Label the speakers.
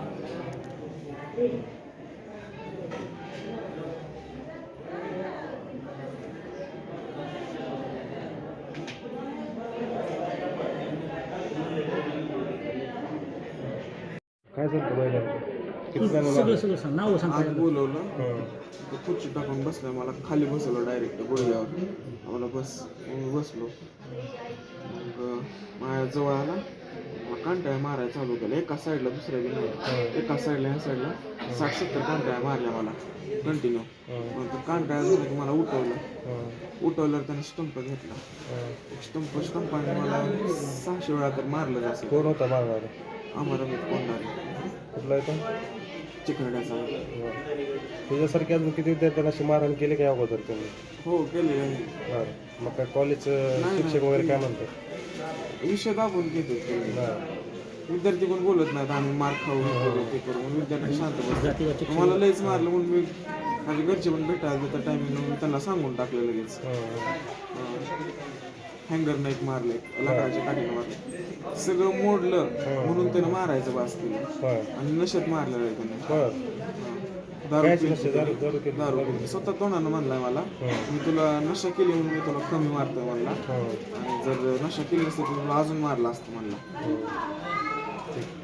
Speaker 1: काय झालं बैलाला? किती जण
Speaker 2: सगळं सगळं सांग नाव सांग
Speaker 3: आज बोलवलं तो खुर्ची टाकून बसला मला खाली बसवलं डायरेक्ट गुडघ्यावर आम्हाला बस मी बसलो मग माझ्या जवळ आला कांटाळ्या मारायला चालू केलं एका साईडला दुसऱ्या बी नाही एका साईडला ह्या साईडला 60-70 कांटाळ्या मारल्या मला कंटिन्यू मग तो कांटाळ्या झाला की मला उठवलं त्याने स्टंप घेतला स्टंपाने मला 600 वेळा तर मारलं असं.
Speaker 1: कोण होता मारणार?
Speaker 3: आम्हाला मी कोणणार
Speaker 1: कुठला येतो?
Speaker 3: चिखरड्याचा.
Speaker 1: तुझ्यासारखे अजून किती विद्यार्थ्यांना अशी मारहाण केली काय अगोदर तुम्ही?
Speaker 3: हो केलेलं आहे.
Speaker 1: बरं, मग काय कॉलेजचं शिक्षक वगैरे काय म्हणतात?
Speaker 3: विषय दाबून घेतात विद्यार्थी कोण बोलत नाहीत आम्ही मार खाऊ ते करू म्हणून विद्यार्थी शांत बसतात. मला लयच मारलं म्हणून मी माझ्या घरचे पण भेटायला त्या टायमिंग मी त्यांना सांगून टाकलं लगेच. हँगर नाईक मारले लाकडाच्या काठीनं मारले सगळं मोडलं म्हणून त्यानं मारायचं बास केलं आणि नशेत मारलेलं आहे त्याने. दारू स्वतः तोंडानं म्हणलाय मला मी तुला नशा केली म्हणून मी तुला कमी मारतोय म्हणला आणि जर नशा केली नसती तर तुला अजून मारला असतं म्हणला.